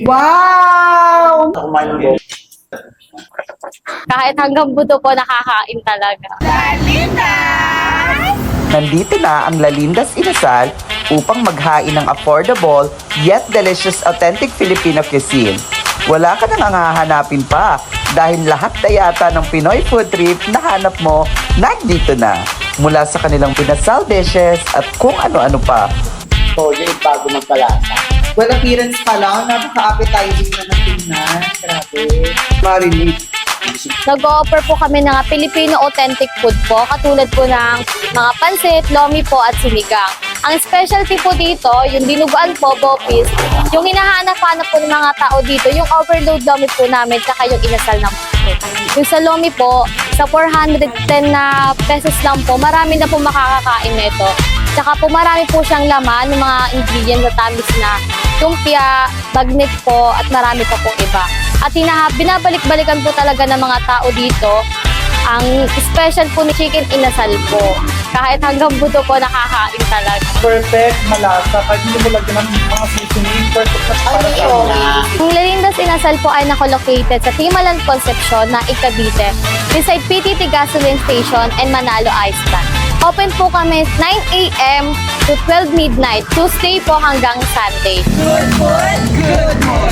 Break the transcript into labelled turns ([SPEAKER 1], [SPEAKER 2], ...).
[SPEAKER 1] Wow!
[SPEAKER 2] Kahit hanggang buto po nakakain talaga.
[SPEAKER 3] Nandito na ang Lalindas Inasal upang maghain ng affordable yet delicious authentic Filipino cuisine. Wala ka nang hahanapin pa dahil lahat na yata ng Pinoy food trip na hanap mo nandito na. Mula sa kanilang pinasal dishes at kung ano-ano pa.
[SPEAKER 4] Todo yung bago magpalasa.
[SPEAKER 1] Well, appearance pa lang, napaka-appetizing na ng tingnan. Grabe. Marinate.
[SPEAKER 2] Nag-o-offer po kami ng Filipino authentic food po, katulad po ng mga pansit, lomi po at sinigang. Ang specialty po dito, yung dinuguan po, bopis, yung hinahanap-hanap po ng mga tao dito, yung overload lomi po namin, tsaka yung inasal ng puso. Yung sa lomi po, sa 410 na pesos lang po, marami na po makakakain na ito. Tsaka po marami po siyang laman ng mga ingredients na tamis na lumpia, bagnet po, at marami pa pong iba. At binabalik-balikan po talaga ng mga tao dito ang special po ni chicken inasal po. Kahit hanggang buto po nakakain talaga.
[SPEAKER 1] Perfect, malasa. Kahit hindi mo lagyan ng mga seasoning, perfect na para sa
[SPEAKER 2] Ang Lalindas Inasal po ay nakolocated sa Timalan Concepcion na Cavite, beside PTT Gasoline Station and Manalo Iceland. Open po kami 9 a.m. to 12 midnight, Tuesday po hanggang Sunday.